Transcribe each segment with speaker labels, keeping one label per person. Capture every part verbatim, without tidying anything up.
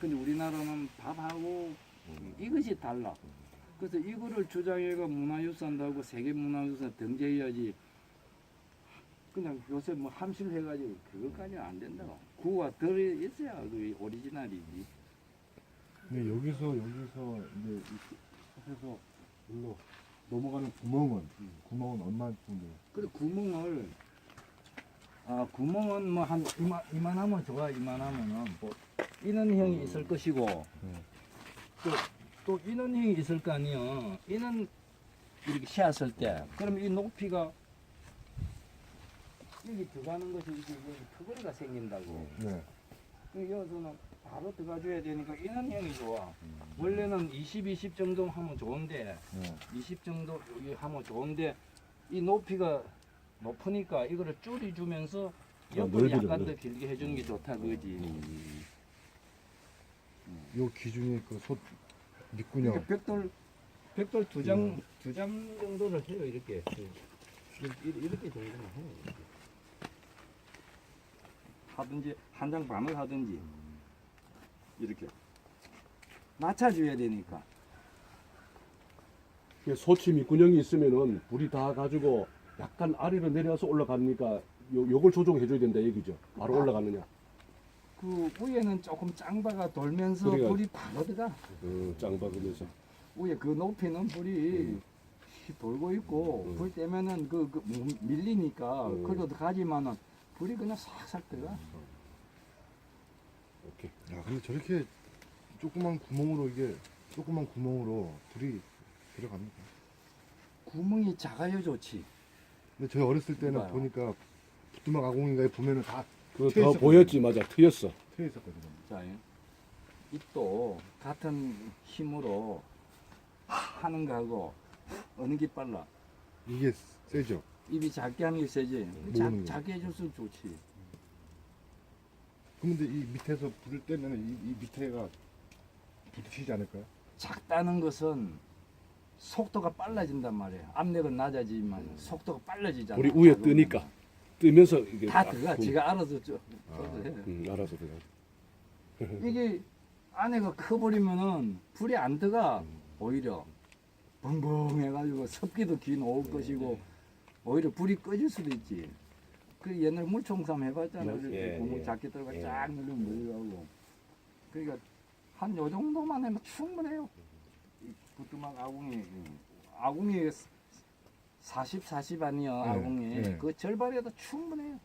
Speaker 1: 근데 우리나라는 밥하고 이것이 달라. 그래서 이거를 주장해가 문화유산다고 세계문화유산 등재해야지. 그냥 요새 뭐 함실해가지고 그것까지는 안 된다고. 구가 덜 있어야 그 오리지널이지.
Speaker 2: 근데 여기서 여기서 이제 이 솥에서 물로 넘어가는 구멍은 구멍은 얼마 정도?
Speaker 1: 그래 구멍을 아 구멍은 뭐 한 이만 이만하면 좋아. 이만하면은 뭐 인원형이 있을 것이고
Speaker 2: 네.
Speaker 1: 또, 또 인원형이 있을 거 아니야. 인원 이렇게 씌었을 때 그럼 이 높이가 여기 들어가는 것이 이게 터거리가 생긴다고.
Speaker 2: 네.
Speaker 1: 그 여기서는 바로 들어가줘야 되니까 인원형이 좋아. 원래는 이십, 이십 정도 하면 좋은데
Speaker 2: 네.
Speaker 1: 이십 정도 여기 하면 좋은데 이 높이가 높으니까 이거를 줄여주면서 옆으로
Speaker 2: 넓어져,
Speaker 1: 약간 더
Speaker 2: 넓어.
Speaker 1: 길게 해주는 게 좋다 그지.
Speaker 2: 요 기준이 그 솥 밑구녕.
Speaker 1: 이렇게 벽돌 벽돌 두 장 두 장 정도를 해요 이렇게 이렇게, 이렇게 정도만 해요. 이렇게. 하든지 한 장 반을 하든지 이렇게 맞춰줘야 되니까.
Speaker 3: 소치 밑구녕이 있으면은 불이 다 가지고 약간 아래로 내려서 올라가니까 요, 요걸 조정해 줘야 된다 얘기죠. 바로 올라가느냐.
Speaker 1: 그 위에는 조금 짱바가 돌면서
Speaker 3: 그래가-
Speaker 1: 불이 바로 들어가.
Speaker 3: 어, 짱 박으면서.
Speaker 1: 위에 그 높이는 불이 돌고 있고
Speaker 3: 음.
Speaker 1: 불 때면은 그, 그 밀리니까
Speaker 3: 음.
Speaker 1: 그래도 가지만은 불이 그냥 싹싹 들어가.
Speaker 3: 오케이.
Speaker 2: 야, 근데 저렇게 조그만 구멍으로 이게 조그만 구멍으로 불이 들어갑니까?
Speaker 1: 구멍이 작아야 좋지.
Speaker 2: 근데 저희 어렸을 때는
Speaker 1: 봐요.
Speaker 2: 보니까 부뚜막 아궁이가에 보면은 다
Speaker 3: 그거
Speaker 2: 트여
Speaker 3: 더
Speaker 2: 있었거든요.
Speaker 3: 보였지, 맞아. 트였어.
Speaker 2: 트여 있었거든요.
Speaker 1: 자, 입도 같은 힘으로 하는 거하고 어느 게 빨라?
Speaker 2: 이게 세죠.
Speaker 1: 입이 작게 하는 게 세지.
Speaker 2: 모으는
Speaker 1: 작,
Speaker 2: 거.
Speaker 1: 작게 해줄수록 좋지.
Speaker 2: 그런데 이 밑에서 불을 떼면 이, 이 밑에가 부딪히지 않을까요?
Speaker 1: 작다는 것은 속도가 빨라진단 말이에요. 압력은 낮아지지만 속도가 빨라지잖아.
Speaker 3: 불이 위에
Speaker 1: 작으면.
Speaker 3: 뜨니까. 뜨면서 이게
Speaker 1: 다
Speaker 3: 딱
Speaker 1: 들어가.
Speaker 3: 구-
Speaker 1: 지가 알아서 저,
Speaker 2: 아.
Speaker 1: 저도 해.
Speaker 3: 음, 알아서 들어가.
Speaker 1: 이게 안에가 커버리면은 불이 안 들어가.
Speaker 3: 음.
Speaker 1: 오히려 벙벙해가지고 습기도 긴 올 것이고 오히려 불이 꺼질 수도 있지. 그 옛날 물총삼 해봤잖아.
Speaker 3: 예,
Speaker 1: 이렇게
Speaker 3: 예,
Speaker 1: 고무
Speaker 3: 예.
Speaker 1: 작게 들어가
Speaker 3: 예.
Speaker 1: 쫙 누르면 물려가고. 그러니까 한 요 정도만 하면 충분해요. 이 부뚜막 아궁이 아궁이 사십, 사십 아니야
Speaker 2: 네,
Speaker 1: 아궁이
Speaker 2: 네.
Speaker 1: 그 절반에도 충분해요.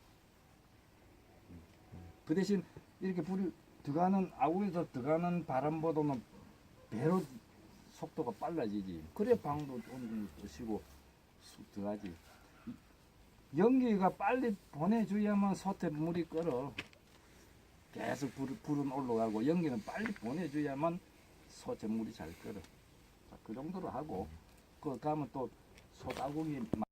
Speaker 1: 그 대신 이렇게 불이 들어가는 아궁에서 들어가는 바람보다는 배로 속도가 빨라지지. 그래 방도 어느 정도 뜨시고 쑥 들어가지. 연기가 빨리 보내줘야만 솥에 물이 끓어. 계속 불, 불은 올라가고 연기는 빨리 보내줘야만 솥에 물이 잘 끓어. 자, 그 정도로 하고 그 가면 또 솥아궁이